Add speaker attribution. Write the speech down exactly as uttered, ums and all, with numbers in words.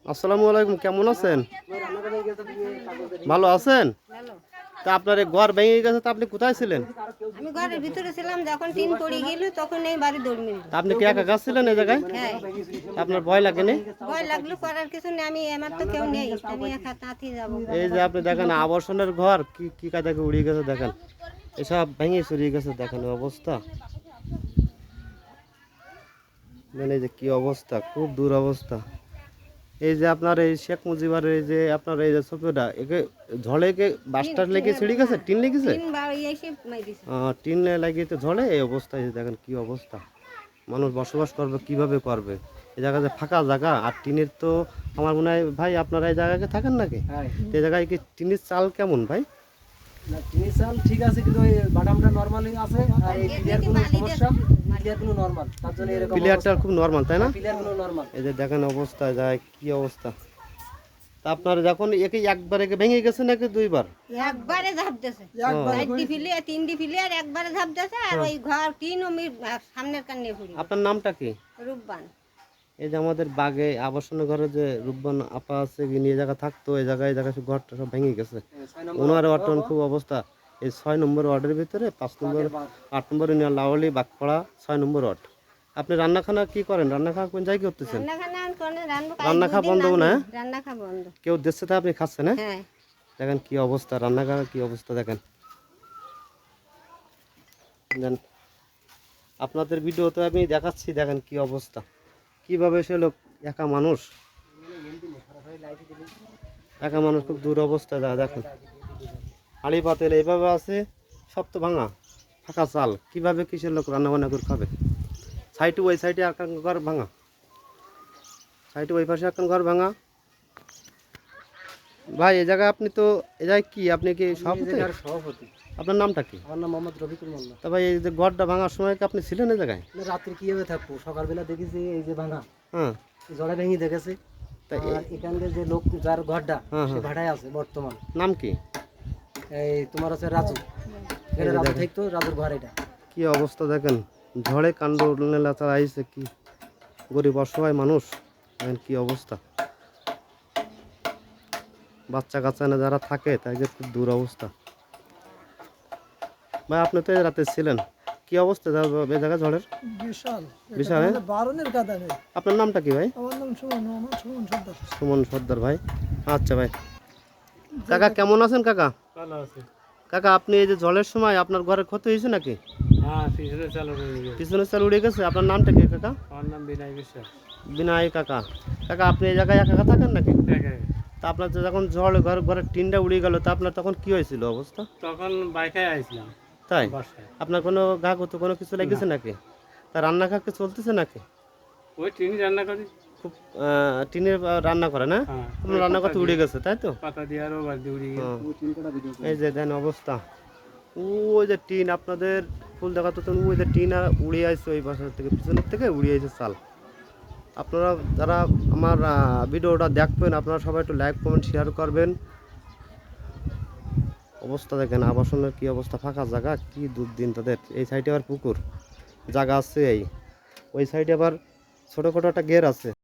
Speaker 1: আসসালামু আলাইকুম, কেমন আছেন? ভালো আছেন? তা আপনার এই ঘর ভেঙে গেছে, তা আপনি কোথায় ছিলেন?
Speaker 2: আমি ঘরের ভিতরে ছিলাম, যখন টিন পড়ে গেল তখন এই বাড়ি দৌড় মিলল।
Speaker 1: তা আপনি কি একা গাছ ছিলেন এই জায়গায়?
Speaker 2: হ্যাঁ,
Speaker 1: তা আপনার ভয় লাগেনি?
Speaker 2: ভয় লাগলো, করার কিছু নেই, আমি আমার তো কেউ নেই, আমি একা তাঁতি যাবো।
Speaker 1: এই যে আপনি দেখেন আবাসনের ঘর কি কি কাদাকে উড়িয়ে গেছে, দেখেন এসব ভেঙে চুরিয়ে গেছে, দেখেন এই অবস্থা। মানে এই যে কি অবস্থা, খুব দূর অবস্থা। এই যে আপনার এই শেখ মুজিবার এই যে আপনার এই যে ছবিটা একে ঝড়ে কে বাসটার লেগে ছিঁড়ে গেছে, টিন লেগেছে,
Speaker 2: টিন বাড়ি এসে মাইরিছে।
Speaker 1: টিন লাগিয়ে তো ঝড়ে এই অবস্থা। এই যে দেখেন কি অবস্থা, মানুষ বসবাস করবে কিভাবে করবে? এই জায়গা যে ফাঁকা জায়গা, আর টিনের তো আমার মনে হয় ভাই আপনারা এই জায়গায় থাকেন নাকি? এই জায়গায় কি টিনের চাল কেমন ভাই?
Speaker 3: না, টিনের চাল ঠিক আছে, কিন্তু ওই বাটামটা নরমালি আছে, আর এই পিলার গুলো সমস্যা, পিলার গুলো নরমাল, তার জন্য এরকম
Speaker 1: প্লেয়ারটা খুব নরমাল, তাই না?
Speaker 3: পিলার গুলো নরমাল।
Speaker 1: এই যে দেখেন অবস্থা, যায় কি অবস্থা। তা আপনার যখন একে একবার একে ভেঙে গেছে নাকি দুইবার?
Speaker 2: একবারে ঝাঁপ দিয়েছে, চারটি ফিলে তিনটি ফিলে আর একবারে ঝাঁপ দিয়েছে, আর ওই ঘর টিন ও সামনের কান্নে ফুরি।
Speaker 1: আপনার নামটা কি?
Speaker 2: রূপবান।
Speaker 1: এই যে আমাদের বাগে আবাসনের ঘরে যে রূপবান আপা আছে, নিয়ে জায়গা থাকতো, এই জায়গায় জায়গায় সব ঘরটা সব ভেঙে গেছে। ওনার ওয়ার্ডটা খুব অবস্থা। এই ছয় নম্বর ওয়ার্ডের ভিতরে পাঁচ নম্বর আট নম্বর ইউনিয়ন লাওয়ালি বাগপাড়া ছয় নম্বর ওয়ার্ড। আপনি রান্নাখানা কি করেন? রান্না খাওয়া কোন জায়গায় করতেছেন? রান্না খাওয়া বন্ধ না?
Speaker 2: রান্না খাওয়া বন্ধ।
Speaker 1: কেউ দিচ্ছে তা আপনি খাচ্ছেন? হ্যাঁ,
Speaker 2: হ্যাঁ,
Speaker 1: দেখেন কি অবস্থা, রান্না খাওয়ার কি অবস্থা দেখেন। দেন আপনাদের ভিডিওতে আমি দেখাচ্ছি, দেখেন কি অবস্থা, কিভাবে সে লোক একা মানুষ, একা মানুষ খুব দূর অবস্থা। দেখেন হাঁড়ি পাতেল এইভাবে আছে, সব তো ভাঙা, ফাঁকা চাল, কিভাবে কিসের লোক রান্না বান্না করে খাবে? সাইডে ওই সাইডে এক ঘর ভাঙা, সাইডে ওই পাশে এক ঘর ভাঙা। ভাই এই জায়গায় আপনি তো এই জায়গায় কি, আপনি কি সভাপতি?
Speaker 3: সভাপতি।
Speaker 1: আপনার নামটা কি?
Speaker 3: আমার নাম মোহাম্মদ রফিকুল মোল্লা।
Speaker 1: তা ভাই এই যে ঘরটা ভাঙার সময় কি আপনি ছিলেন এই জায়গায়?
Speaker 3: রাত্রে কিভাবে থাকবো, সকালবেলা দেখেছি এই যে ভাঙা,
Speaker 1: হ্যাঁ,
Speaker 3: জড়া ভেঙে দেখেছি।
Speaker 1: তা
Speaker 3: আর এখানকার যে লোক যার ঘরটা
Speaker 1: হ্যাঁ,
Speaker 3: সে
Speaker 1: হ্যাঁ।
Speaker 3: ভাড়ায় আছে বর্তমান,
Speaker 1: নাম কি?
Speaker 3: এই তোমার আছে রাজু, এটা রাজু থাকতো, রাজুর ঘর এটা।
Speaker 1: কি অবস্থা দেখেন, ঝড়ে কাণ্ড নেলাচা আইছে, কি গরিব অসহায় মানুষ, দেখেন কি অবস্থা। বাচ্চা কাচ্চা না যারা থাকে তাদের খুব দূর অবস্থা। ভাই আপনি তো এই রাতে ছিলেন, কি অবস্থা এই জায়গা ঝড়ের?
Speaker 4: বিশাল
Speaker 1: বিশাল, হ্যাঁ?
Speaker 4: বারণের কাদা নেই।
Speaker 1: আপনার নামটা কি ভাই?
Speaker 4: আমার নাম সুমন, আমার সুমন সর্দার।
Speaker 1: সুমন সর্দার ভাই, আচ্ছা ভাই। কাকা কেমন আছেন কাকা?
Speaker 3: ভালো আছে।
Speaker 1: কাকা আপনি এই যে জলের সময় আপনার ঘরের ক্ষতি হয়েছে নাকি?
Speaker 3: হ্যাঁ, পিছনে চালু হয়ে গেছে।
Speaker 1: পিছনের চাল উড়ে গেছে। আপনার নামটা কি কাকা?
Speaker 3: আমার নাম বিনয় বিশ্বাস।
Speaker 1: বিনয় কাকা। কাকা আপনি এই জায়গায় একা একা থাকেন নাকি? তা আপনার যে যখন ঝড় ঘর ঘরের টিনটা উড়ে গেল, তা আপনার তখন কি হয়েছিল অবস্থা?
Speaker 3: তখন বাইকে আইছিলাম।
Speaker 1: তাই
Speaker 3: বাসায়
Speaker 1: আপনার কোনো গা কত কোনো কিছু লেগেছে নাকি? তা রান্না খাকে চলতেছে নাকি?
Speaker 3: ওই টিন রান্না করি।
Speaker 1: খুব টিনের রান্না করে না?
Speaker 3: হ্যাঁ,
Speaker 1: আপনার রান্না করতে উড়ে গেছে তাই তো?
Speaker 3: পাতা দিয়ে আরো বাড়ি উড়ে
Speaker 1: হ্যাঁ।
Speaker 3: গেছে।
Speaker 1: এই যে দেন অবস্থা, ওই যে টিন আপনাদের ফুল দেখা তো, ওই যে টিন আর উড়ে আসছে ওই পাশের থেকে, পিছনের থেকে উড়ে আসছে চাল। আপনারা যারা আমার ভিডিওটা দেখবেন, আপনারা সবাই একটু লাইক কমেন্ট শেয়ার করবেন। অবস্থা দেখেন আবাসনের কি অবস্থা, ফাঁকা জায়গা, কি দুর্দিন তাদের। এই সাইডে আবার পুকুর জায়গা আছে, এই ওই সাইডে আবার ছোটোখাটো একটা গের আছে।